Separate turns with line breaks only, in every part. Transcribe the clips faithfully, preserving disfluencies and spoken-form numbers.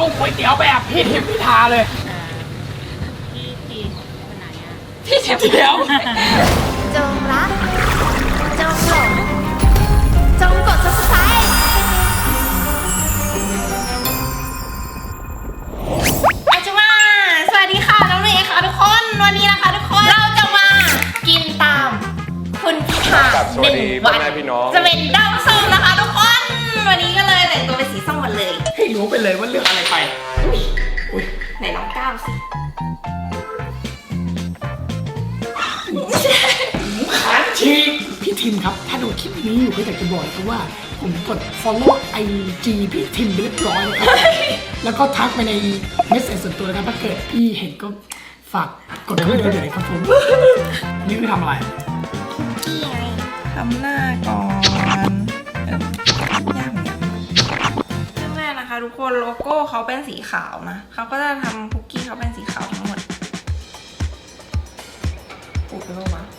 ก๋วยเตี๋ยวแบบพี่ทิมพิธาเลย
พี่ทีคนไหนอ่ะ
พี่ทิมเตี๋ยว
จงรักจงหลงจงกด ซับสไครบ์
อาจุมาสวัสดีค่ะน้องเมย์ค่ะทุกคนวันนี้นะคะทุกคนเราจะมากินตามคุณพิธาหนึ่งวันจะเป็นด้อมส้มนะคะทุกคนวันนี้ก็เลยแต่งตัวเป็นสีส้มหมดเลย
ให้รู้ไปเลยว่าเลือกอะไรไปอุ้ย
ไหนน้องก้าวสิ
ขาชีพี่ทิมครับถ้าดูคลิปนี้อยู่ก็อยากจะบอกครับว่าผมกด follow ไอจีพี่ทิมไปเรียบร้อยแล้วครับแล้วก็ทักไปในเมสเซจส่วนตัวนะครับถ้าเกิดพี่เห็นก็ฝากกดเข้าไปดูเดี๋ยวเลยครับผมนี่คือทำอะไร
พี่ไงทำหน้าก่อนเออยากเหมือนกันแรกๆนะคะทุกคนโลโก้เขาเป็นสีขาวนะเขาก็จะทำคุกกี้เขาเป็นสีขาวทั้งหมดอุดไปบ้างวะ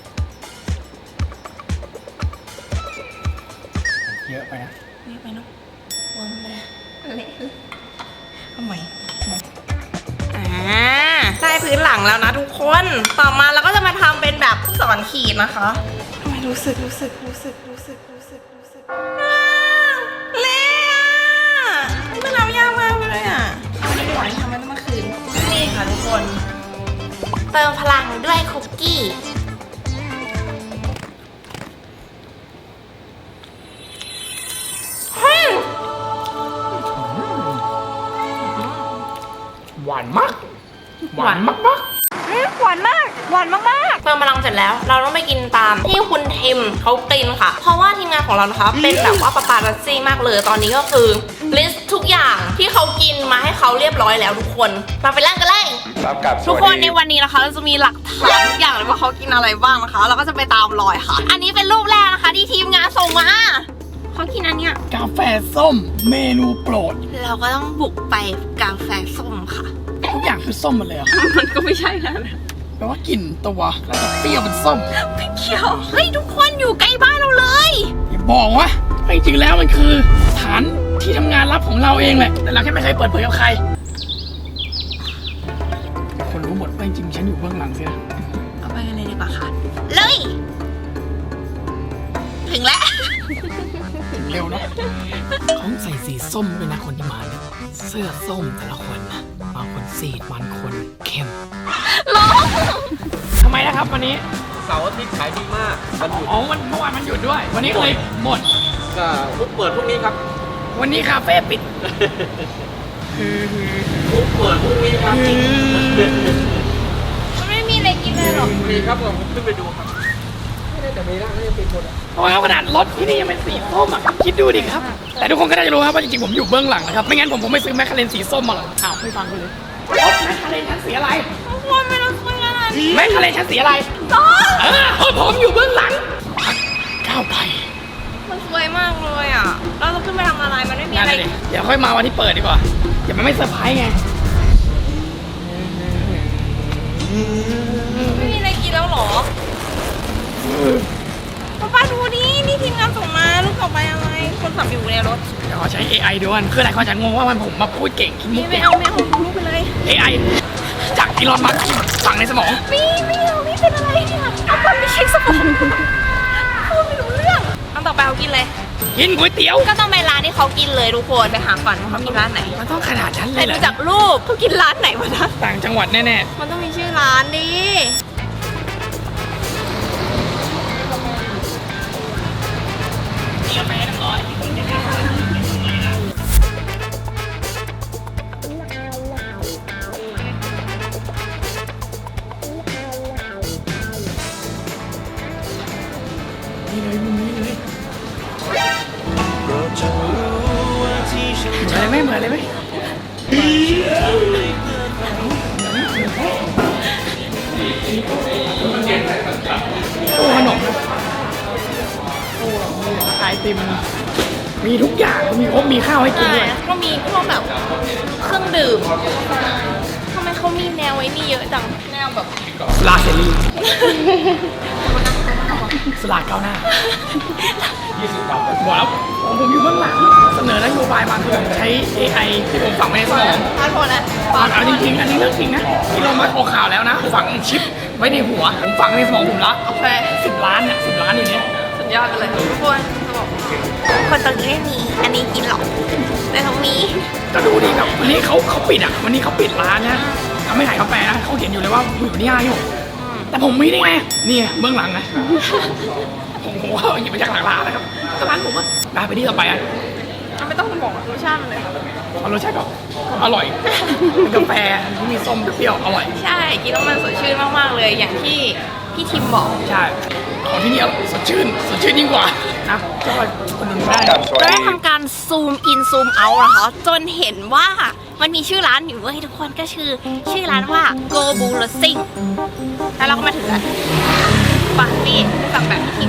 เยอะไปนะ
นี่ไปเนาะวนเลยเละทำไมอ่าได้พื้นหลังแล้วนะทุกคนต่อมาเราก็จะมาทำเป็นแบบสอนขีดนะคะทำไมรู้สึกรู้สึกรู้สึกรู้สึกรู้สึกรู้สึกอ้าวเละอ่ะมันทำยากมากเลยอ่ะวันนี้ดีกว่าที่ทำมันเมื่อคืนนี่ค่ะทุกคนเติมพลังด้วยคุกกี้
หวานมากหวานมากมาก
หวานมากหวานมากๆเติมพลังเสร็จแล้วเราต้องไปกินตามที่คุณทิมเขากินค่ะเพราะว่าทีมงานของเรานะคะเป็นแบบว่าปาปารัสซี่มากเลยตอนนี้ก็คือลิสต์ทุกอย่างที่เขากินมาให้เขาเรียบร้อยแล้วทุกคนมาไปเล่นกันเลย
รับกับ
ทุกคนในวันนี้นะคะเราจะมีหลักฐานทุกอย่างเลยว่าเขากินอะไรบ้างนะคะเราก็จะไปตามรอยค่ะ อันนี้เป็นรูปแรกนะคะที่ทีมงานส่งมาเขากินอันเนี้ย
กาแฟส้มเมนูโปรด
เราก็ต้องบุกไปกาแฟส้มค่ะ
ทุกอย่างคือส้มหมดเลยเหรอ
มันก็ไม่ใช่นะ
แปลว่ากลิ่นตัวแล้วก็เปรี้ยวเป็นส้ม
ไม่เกี่ยวเฮ้ยทุกคนอยู่ใกล้บ้านเราเลย
อย่าบอกว่าจริงๆแล้วมันคือฐานที่ทำงานลับของเราเองแหละแต่เราแค่ไม่เคยเปิดเผยกับใครคนรู้หมดว่าจริงๆฉันอยู่เบื้องหลังสินะ
เอาไปกันเลยดีกว่าค่ะเลยถึงแล้ว
ถึงเร็วเนาะเขาใส่สีส้มด้วยนะคนที่มาเนี่ยเสื้อส้มแต่ละคนนะบางคนสีดบางคนเข้ม
ร้อง
ทำไมนะครับวันนี้
เสาร์อาทิตย์ขายดีมากวันหยุด
อ๋อวันเมื่อวานมันหยุดด้วย วันนี้ก็เลยหมด
ก็ทุกเปิดพรุ่งนี้ครับ
วันนี้คาเฟ่ปิด
ทุกเปิดพรุ่งนี้ครับ
มันไม่มีอะไรกินเลยหรอ
มีครับผมขึ้นไปดูครับไม่ได้แต่มีร้านก็ยังปิดหมดอ่ะ
เพราะว่าขนาดรถที่นี่ยังเป็นสีส้มอ่ะคิดดูดิครับ แต่ทุกคนก็น่าจะรู้ครับว่าจริงๆผมอยู่เบื้องหลังนะครับไม่งั้นผมผมไม่ซื้อแมคคาเรนสีส้มมาหรอกอ้าวไม่ฟังกูเลยรถแมคคาเรนชั้นสีอะไร
ทุกคนไม่ต้องคุยกันอ่ะ
แมคคาเรนชั้นสีอะไร
ร้อง
เออเพราะผมอยู่เบื้องหลังก้าวไป
มันสวยมากเลยอ่ะเราจะขึ้นไปทำอะไรมันไม่มี
นั่น
อะไร
เลยเดี๋ยวค่อยมาวันที่เปิดดีกว่าอย่ามันไม่เซอร์ไพรส์ไง
ไม่มีอะไรกินแล้วหรอป้าป้าดูดินี่ทีมงานส่งมาลูกต่อไปอะไรคนขับอยู่ในรถ
เดี๋ยวขอใช้ เอ ไอ ดูกันคือหลายคนจะงงว่ามันผมมาพูดเก่งคิดมุ
นี่
ก
ไม่
เก่ง
เอาไม่เอาลูกไปเลย
เอ ไอ จากอีลอนมัสก์ฝังในสมอง
มีไม่เอาไม่เป็นอะไรเนี่ยเอาคนไม่ใช่สมองพูดไม่รู้เรื่องอันต่อไปเขากินเลย
กินก๋วยเตี๋ยว
ก็ต้องไปร้านที่เขากินเลยทุกคนไปหาก่อนว่าเขากินร้านไหน
มันต้องขนาดนั้นเล
แต่
ยเหร
ดู
อ
จากรูปเขากินร้านไหนวะนะ
ต่างจังหวัดแน่
มันต้องมีชื่อร้านดิ
ๆนี่เลยมุมนี้เลยเหมือนเลยไหมเหมือนเลยไหมตู้ขนมนะตู้ขายไอติมมีทุกอย่างมีครบมีข้าวให้กิน
ใช่
ด้วย
ก็มีพวกแบบเครื่องดื่มทำไมเขามีแนวไว้นี่เยอะจังแนวแบบ
ลาเซรีสลากก้าวหน้ายี่สิบดาวบอกแล้วผมผมอยู่เบื้องหลังเสนอนโยบายมาคือใช้ เอ ไอ ที่ผมฝังไว้ในสมอง
พาดโผล่นะ
ฝังเอาจริงๆอันนี้เรื่องจริงนะที่เรามาออกข่าวแล้วนะฝังชิปไว้ในหัวผมฝังในสมองผมละ
โอเค
สิบล้านเนี่ยสิบล้านอยู่เนี้ย
สุดยอดไปเลยทุกคนจะบอกคนตรงนี้ไม่มี อันนี้กินหรอกแต่เขามี
ก็ดูดิแบบวันนี้เขาเขาปิดอ่ะวันนี้เขาปิดร้านนะเขาไม่ขายกาแฟนะเขาเขียนอยู่เลยว่าอยู่ที่ห้าอยู่แต่ผมมีได้ไงนี่ไงเบื้องหลังนะผมผมว่าหยิบมาจากหลังร้านนะครับก็ร้านผมอะได้ไปที่ต่อไปอ่ะ
ไม่ต้องบอกรสชาติมันเลย
เอารสชาติก็อร่อยเป็นกาแฟที่มีส้มเปรี้ยวอร่อย
ใช่กินแล้วมันสดชื่นมากๆเลยอย่างที่พี่ทิมบอก
ใช่ของที่นี่สดชื่นสดชื่นยิ่งกว่านะก็คนดูได้
ก็ได้ทำการซูมอินซูมเอาท์นะคะจนเห็นว่ามันมีชื่อร้านอยู่เว้ยทุกคนก็คือชื่อร้านว่า Go b u l l s i n g แล้วเราก็มาถึงกันปังนี่สั่งแบบพี่ทิม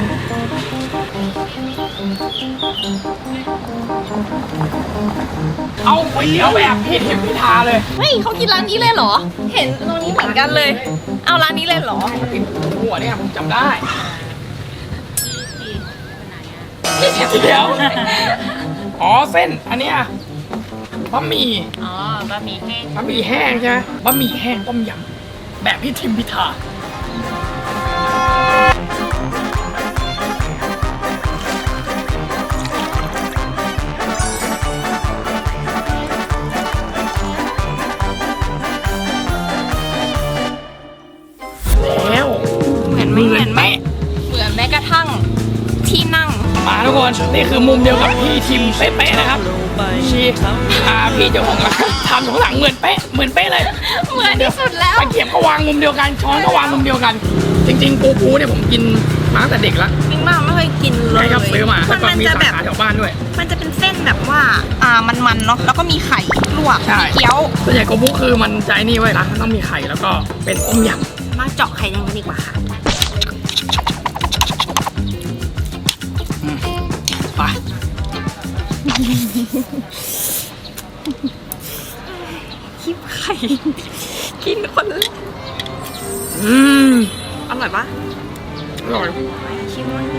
เอาก๋วยเตี๋ยวแบบพี่ทิมพิธาเลย
เฮ้ยเขากินร้านนี้เลยเหรอ เห็นตรงนี้เหมือนกันเลย เอาร้านนี้เลยเหรอ
กินหัวเนี่ยผมจำได้เดี๋ยวอ๋อเส้นอันเนี้ยบะหมี่
อ๋อบะหมี่แห้ง
บะหมี่แห้งใช่ไหมบะหมี่แห้งต้มยำแบบพี่ทิมพิธาแล้ว
เหมือนไม่เหมือนไม่เหมือนแม้กระทั่งที่นั่ง
มาทุกคนนี่คือมุมเดียวกับพี่ทิมเป๊ะๆนะครับชีอาพี่เจ้าของร้านทำของหลังเหมือนเป๊ะเหมือนเป๊ะเลย
เหมือนที่สุดแล้ว
ตะเกียบก็วางมุมเดียวกันช้อนก็วางมุมเดียวกัน จริงๆปูปูเนี่ยผมกินมาตั้งแต่เด็กแล้ว
จริงมากไม่เคยกินเลย
ใช่ครับซื้อมา
มั
แล้วก็
มัน
มี
จะ
สา
แบบ
ขาแถวบ้านด้วย
มันจะเป็นเส้นแบบว่าอ่ามันๆเนาะแล้วก็มีไข่ลวก
ใช่
มีเกี๊ยว
ส่วนใหญ่โกบุคือมันใจนี่ไว้นะมันต้องมีไข่แล้วก็เป็นต้มย
มาเจาะไข่แดงกันดีกว่าค่ะ
ำไป
คิบไข่กินคนละ
อืม
อร่อยปะ
อร่อย
ชิมมัน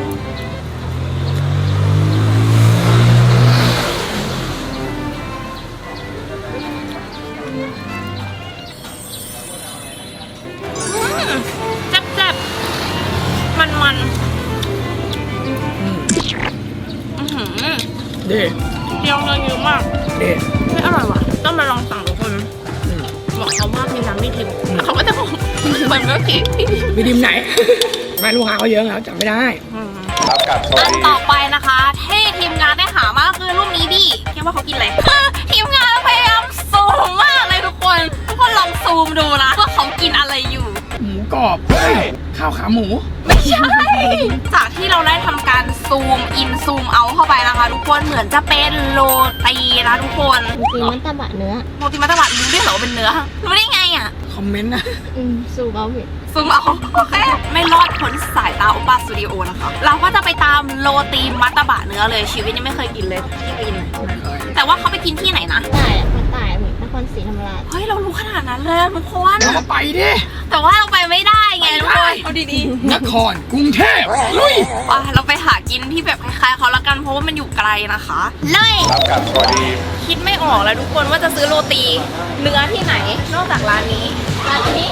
แซ่บๆมันๆ
อืม
อื้อหือ
เด้
เปรี้ยวเนยเยอะมาก
เด้
ไม่อร่อยว่ะ ต้องมาลองสั่งทุกคน
อืม
บอกเขาว่ามีน้ำไม่ทิมแล้วเขาก็จะบอกเหมือนเมื่อกี้
มีดิมไหน ไม่ลูกค้าเขาเยอะแล้วจำไม่ได้
ครับกับสวั
อั
ส
น
ดี
ต่อไปนะคะที่ทีมงานได้หามาก็คือรูปนี้ดิคิดว่าเขากินอะไร ทีมงานพยายามซูมมากเลยทุกคน ทุกคนลองซูมดูนะว่าเขากินอะไรอยู่
หมูกรอบเฮ้ยข้าวขาหมู
ไม่ใช่ จากที่เราได้ทำการซูมอินซูมเอาเข้าไปนะคะ ทุกคนเหมือนจะเป็นโรตีนะทุกคน
จริงมันตะบะเนื้อ
โรตีมัตตบะรู้ได้เหรอว่าเป็นเนื้อรู้ได้ไงอ่ะ
คอมเมนต์นะ
อืมสูบเอาเห็ด
ซูมเอาโอเคไม่รอดพ้นสายตาโอปาสตูดิโอนะคะ เราก็จะไปตามโรตีมัตตบะเนื้อเลยชีวิตยังไม่เคยกินเลยที่กินนะแต่ว่าเขาไปกินที่ไหนนะ
ตายอ่ะมันตายเหมือนนครศรีธรรมราช
เฮ้ยเรารู้ขนาดนั้นเลยทุกคน
เดี๋ยวเราไปดิ
แต่ว่าเราไปไม่ได้ไงทุกคนเอาดี
นครกรุงเทพลุย
ๆว่าเราไปหากินที่แบบคล้ายๆเขาละกันเพราะว่ามันอยู่ไกลนะคะเลย
ครับกับสวัสดี
คิดไม่ออกแล้วทุกคนว่าจะซื้อโรตีเนื้อที่ไหน นอกจากร้านนี้ร้านนี้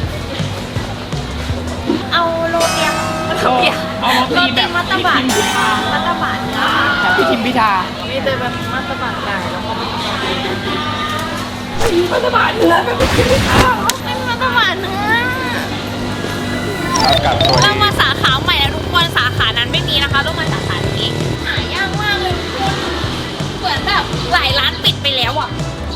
เอาโรเตียมโรเตียม
เอาโร
โร
ตี
ตี
แบบ
มัตตบะมัตตบะเนื้อ
แบบพี่ทิมพิธา
มีแต่แบบมัตตบะไก่แล้วก็
มัตตบะเนื้อแบบพี่ทิมพิธา
เป็นมัตตบะเนื้อ
ครับกับสวัส
เรา
ดี
มาสาขาใหม่แล้วทุกคนสาขานั้นไม่มีนะคะต้องมาสาขานี้หายากมากเลยทุกคนเหมือนแบบหลายร้านปิดไปแล้วอ่ะ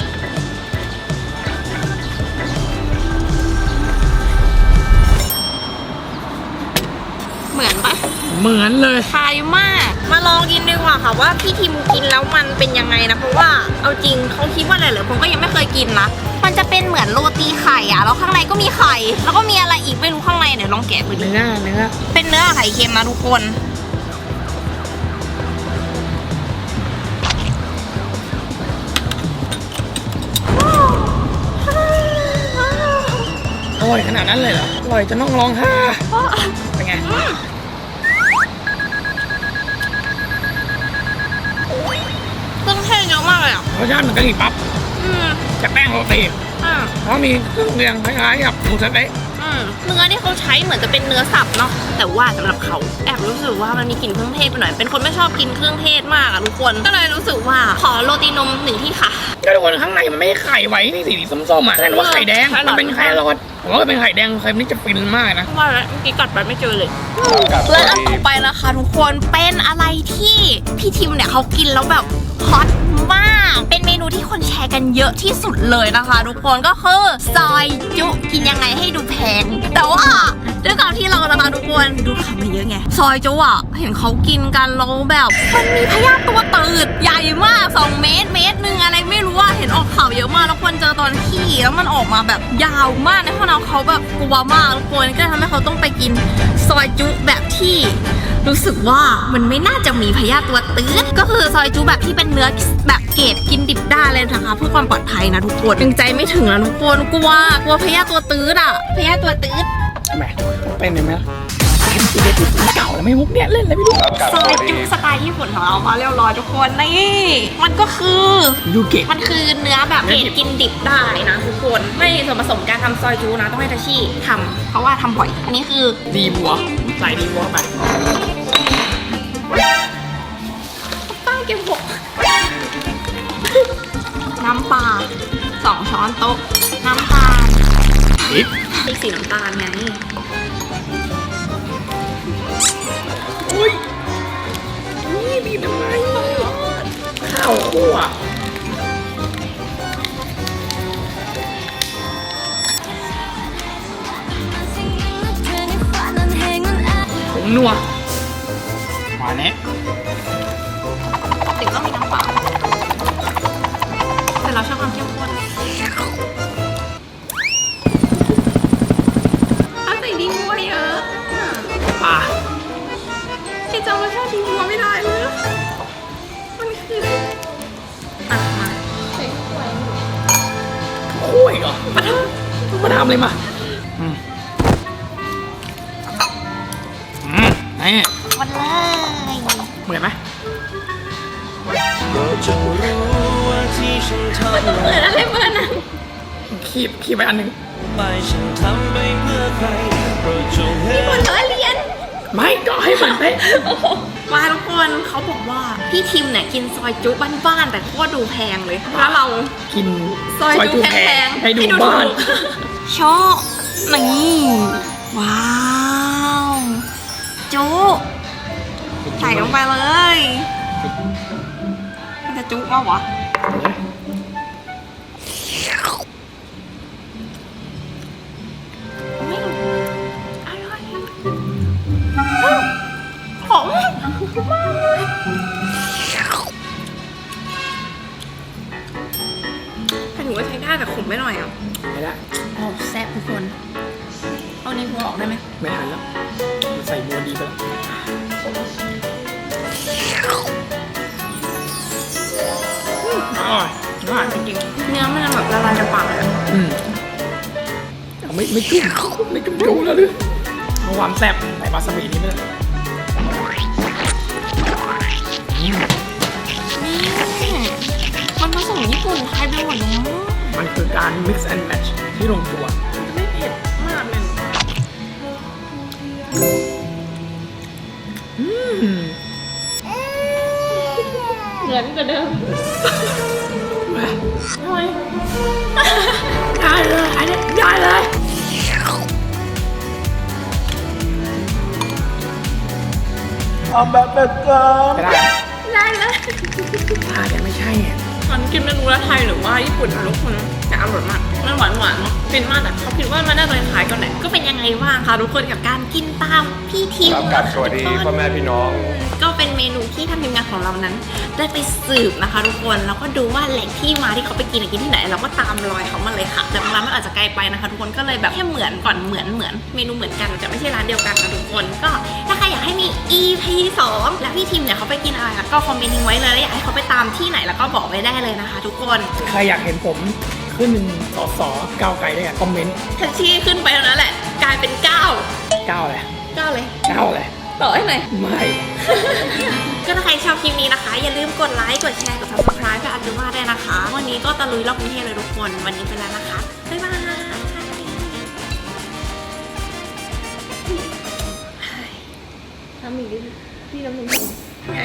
เหมือนปะ
เหมือนเลย
คล้ายมากมาลองกินดีกว่าค่ะว่าพี่ทิมกินแล้วมันเป็นยังไงนะเพราะว่าเอาจริงเขาคิดว่าอะไรเหรอผมก็ยังไม่เคยกินนะมันจะเป็นเหมือนโรตีไข่อะแล้วข้างในก็มีไข่แล้วก็มีอะไรอีกไม่รู้ข้างในเดี๋ยวลองแกะดูดิ
เนื้อเนื้อ
เป็นเนื้อไข่เค็มนะทุกคน
อร่อยขนาดนั้นเลยเหรออร่อยจะต้องร้องไห้เป็นไง
มากเลยอ่ะ
รสชาติเหมือนกะหรี่ปั๊บ
อืม
แต่แป้งโรตี
อ่า
เพราะมีเครื่องเคียงคล้ายๆกับหมูสะเต๊ะ
อืมเนื้อที่เขาใช้เหมือนจะเป็นเนื้อสับเนาะแต่ว่าสำหรับเขาแอบรู้สึกว่ามันมีกลิ่นเครื่องเทศไปหน่อยเป็นคนไม่ชอบกินเครื่องเทศมากอะทุกคนก็เลยรู้สึกว่าขอโรตีนมหนึ่งที่ค่ะ
ก็ทุกคนข้างในมันไม่ได้ไข่ไว้นี่สีส้มๆอ่ะนั่นว่าไข่แดงมันเป็นไข่รอดผมว่าเป็นไข่แดงไข่นี่จะฟินมากนะ
ว่าแล้วเมื่อกี้กัดไปไม่เจอเลย
กับ
และอันต่อไปนะคะทุกคนเป็นอะไรที่พี่ทิมเนี่ยเขากินแล้วแบบฮอตมากเป็นเมนูที่คนแชร์กันเยอะที่สุดเลยนะคะ ทุกคนก็คือซอยจุกินยังไงให้ดูแพงแต่ว่าด้วยความที่เรานะคะทุกคนดูข่าวมาเยอะไงซอยจุอ่ะเห็นเขากินกันแล้วแบบมันมีพยาธิตัวตืดใหญ่มากสองเมตรเมตรหนึ่งอะไรไม่รู้ว่าเห็นออกข่าวเยอะมากแล้วคนเจอตอนขี้แล้วมันออกมาแบบยาวมากในห้องน้ำเขาแบบกลัวมากทุกคนก็ทำให้เขาต้องไปกินซอยจุแบบที่รู้สึกว่ามันไม่น่าจะมีพยาธิตัวตืดก็คือซอยจุแบบที่เป็นเนื้อแบบเกรดกินดิบได้เลยนะคะเพื่อความปลอดภัยนะทุกคนยังใจไม่ถึงนะทุกคนกลัวกลัวพยาธิตัวตืดอ่ะพยาธิตัวตืด
ทำไมเป็นยังไงล่ะเก่าแล้วไม่มุกเนี่ยเล่นอะไรไม่รู้
ซอยจุสไตล์ญี่ปุ่นของเรามาเรียบร้อยทุกคนนี่มันก็คือ
ยูเกะ
มันคือเนื้อแบบเกรดกินดิบได้นะทุกคนไม่มีส่วนผสมการทำซอยจูนะต้องให้ทาชิทำเพราะว่าทำบ่อยอันนี้คือ
ดีบัวใส่ดีบัวไป
ป้าเก็บหกน้ำปลาสองช้อนโต๊ะน้ำตาล
นิด
พริกสีน้ำตาลไง
อุ้ยนี่บีบทำไมข้าวคั่วผงนัวมาเนี้ย
ถึงต้องมีน้ำเปล่าแต่เราชอบความเข้มข้นเอาใส่ดีมัวเยอะ
ปลา
พี่จำรสชาติดีมัวไม่ได้เลยมันคืออ่ะมาใส่ถ้วย
คั่วอีกเหรอมาทำมาทำเลยมาอืมอืมนี่
วันเลย
เหมือนไหม
เหมือนอะไรเหมือนนะ
ขีบขีบไปอันหนึ่ง
มีคนเออเรียน
ไม่ก็ให้เหมือนเป๊ะ
มาทุกคนเขาบอกว่าพี่ทิมเนี่ยกินซอยจุบ้านๆแต่โคตรดูแพงเลยแล้วเรา
กิน
ซอยจุ
จุ
แพงๆ
ให้ดูบ้าน
โชว์นี่ว้าวจุใส่ลงไปเลยมันจะจุว่าวะไม่อร่อยหอมแต่หนูว่าใช้ได้แต่ขมไม่หน่อยอ่ะ
ไม่ได้
โอ้แซ่บทุกคน เอาในหัวออกได้ไหม
ไม่ทันแล้วมันใส่บัวดีไปแล้วอร่อยอร่อยจริง
เนื้อมันแบบละลายในปากเลยอะ
ๆอืมเอาไม่ไม่จุ่มไม่จุ่มจุ่มแล้วดิเมื่อวานแซ่บใส่วาซาบินี่ไม่ได้อืม
นี่มันผสมญี่ปุ่นไทยไปหมดเลย
มันคือการ mix and match ที่ลงตัว
ไม่เผ็ดมากเลย
อืม
เหมือนกว่าเดิมทำไม
ได้เลยอันนี้ได้เลยทำแบบแบบกันไม่ได้
ได้แล้ว
ถ้ายังไม่ใช่อ่ะ
มันกินเมนูละไทยหรือว่าญี่ปุ่นนะทุกคนแต่อร่อยมากมันหวานหวานๆเนาะเป็นมากแต่เขาคิดว่ามันน่าจะคล้ายกันแหละก็เป็นยังไงบ้างคะทุกคนกับการกินตามพี่ทิม
ครับกับสวัสดีพ่อแม่พี่น้อง
ก็เป็นเมนูที่ทางทีมงานของเรานั้น ได้ไปสืบนะคะทุกคนแล้วก็ดูว่าแหล่งที่มาที่เขาไปกินอะกินที่ไหนเราก็ตามรอยเขามาเลยค่ะแต่บางร้านมันอาจจะไกลไปนะคะทุกคนก็เลยแบบแค่เหมือนก่อนเหมือนเหมือนเมนูเหมือนกันแต่ไม่ใช่ร้านเดียวกันนะทุกคนก็ถ้าใครอยากให้มี อี พี สองและพี่ทิมเนี่ยเขาไปกินอะไรอะก็คอมเมนต์ทิ้งไว้เลยแล้วอยากให้เขาไปตามที่ไหนแล้วก็บอกไว้ได้เลยนะคะ ทุกคน
ใครอยากเห็นผมขึ้นสอสอก้าวไกลได้อะคอมเมนต์
แท็กซี่ขึ้นไปแล้วนั่นแหละ กลายเป็นเก้า
ก้าวอะไร
เก้าเลย
ก้าวอะไร
ต่อให้หน่อย
ไม่
ก็ถ้าใครชอบคลิปนี้นะคะ อย่าลืมกดไลค์ กดแชร์ กด ซับสไครบ์ กับอาจูมาด้วยนะคะ วันนี้ก็ตะลุยรอบกรุงเทพเลยทุกคน วันนี้ไปแล้วนะคะ บ๊ายบายทำอีกดิพี่น้ำหนึ่งไง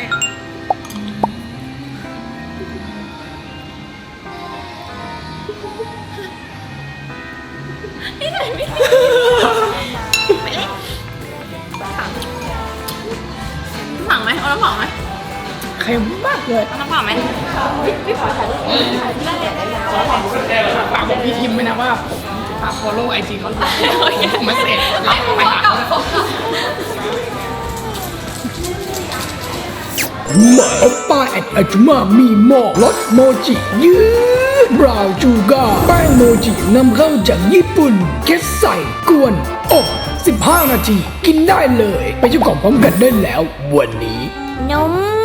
ไม่ได้ไม่ได้ไปเลยฝังไหมเอาน้ำฝังไหม
เค็มมากเลย
เอาน้ำฝังไหม
ฝากบอกพี่ทิมไว้นะว่าฝาก follow ไอจีเขาผมไม่เสร็จรับไปหาหมาออปป้าแอดอาจุมามีหมอกรสโมจิยืดบราวน์จูก้าร์แป้งโมจินำเข้าจากญี่ปุ่นแค่ใส่กวนอบสิบห้านาทีกินได้เลย ไปเจ้าของพร้อมกันได้แล้ววันนี้
นม